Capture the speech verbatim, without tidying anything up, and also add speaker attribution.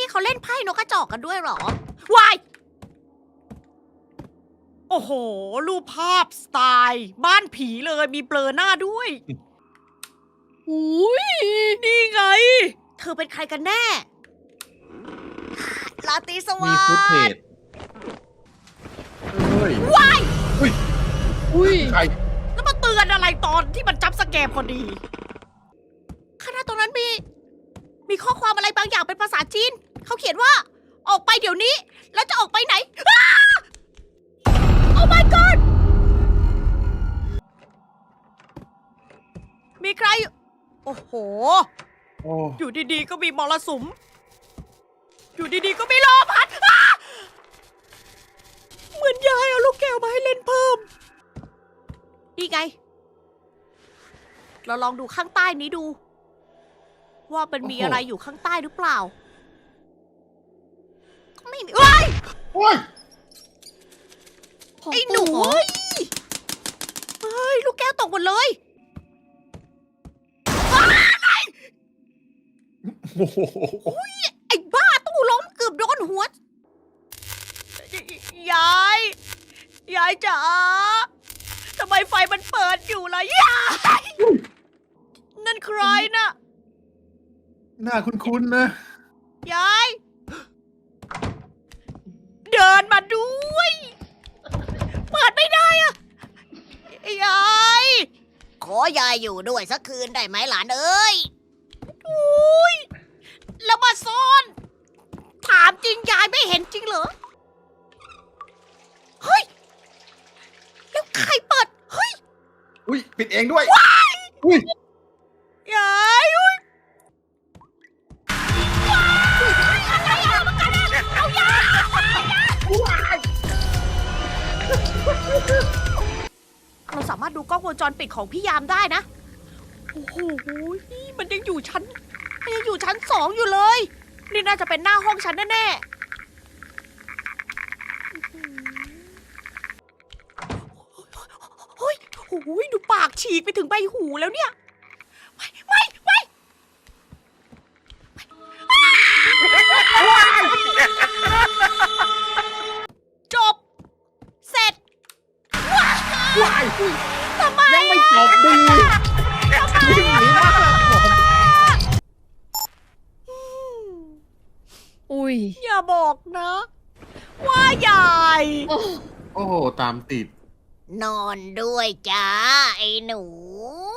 Speaker 1: นี่เขาเล่นไพ่นกกระจอกกันด้วยเหรอวายโอ้โห รูปภาพสไตล์ บ้านผีเลยมีเบลอหน้าด้วยอุ้ยนี่ไง เธอเป็นใครกันแน่ลาตรีสวั
Speaker 2: มี
Speaker 1: ส
Speaker 2: ฟุตเท
Speaker 1: ดิ์
Speaker 2: จเฮ้ย
Speaker 1: ว้าย
Speaker 2: อุ้ยใคร
Speaker 1: แล้วมาเตือนอะไรตอนที่มันจับสแกมพอดีข้างหน้าตรงนั้นมี มีข้อความอะไรบางอย่างเป็นภาษาจีน เขาเขียนว่า ออกไปเดี๋ยวนี้ แล้วจะออกไปไหนอ้าโอ้ my god มีใคร โอ้โห
Speaker 2: โอ้
Speaker 1: อยู่ดีๆ ก็มีมรสุม อยู่ดีๆ ก็มีลมพัดอ้าเหมือนยายเอาลูกแก้วมาให้เล่นเพิ่ม นี่ไง เราลองดูข้างใต้นี้ดู ว่ามันมีอะไรอยู่ข้างใต้หรือเปล่า ไม่มีเอ้ย
Speaker 2: โอ้ย
Speaker 1: ไอ้หนูเฮ้ยเฮ้ย ลูกแก้วตกหมดเลย
Speaker 2: โอ้โห
Speaker 1: ไอ้บ้าตู้ล้มเกือบโดนหัว ยาย ยายจ๋าทำไมไฟมันเปิดอยู่ล่ะยายนั่นใครน่ะ
Speaker 2: หน้าคุ้นๆนะ
Speaker 1: ยาย เดินมาด้วย เปิดไม่ได้อะยาย ขอยายอยู่ด้วยสักคืนได้ไหมหลานเอ้ยอุ้ยแล้วมาซ่อน ถามจริงยายไม่เห็นจริงเหรอ เฮ้ย แล้วใครเปิด เฮ้ย
Speaker 2: อุ้ยปิดเองด้วยอุ้ย
Speaker 1: ยายอุ้ยว้ายอะไรอะมันกันอะเอายายเราสามารถดูกล้องวงจรปิดของพี่ยามได้นะ โอ้โห มันยังอยู่ชั้น มันยังอยู่ชั้นสองอยู่เลย นี่น่าจะเป็นหน้าห้องฉันแน่ๆเฮ้ยโอ้ยดูปากฉีกไปถึงใบหูแล้วเนี่ย ไม่ไม่ไม่จบ เสร็จ
Speaker 2: ว้าย
Speaker 1: ทำไม
Speaker 2: ยังไม่จบดีวิ่งหนีมากเลยผม
Speaker 3: อุ้ย
Speaker 1: อย่าบอกนะ ว่ายาย
Speaker 3: โอ้
Speaker 2: โอ้โหตามติด
Speaker 1: นอนด้วยจ้า ไอ้หนู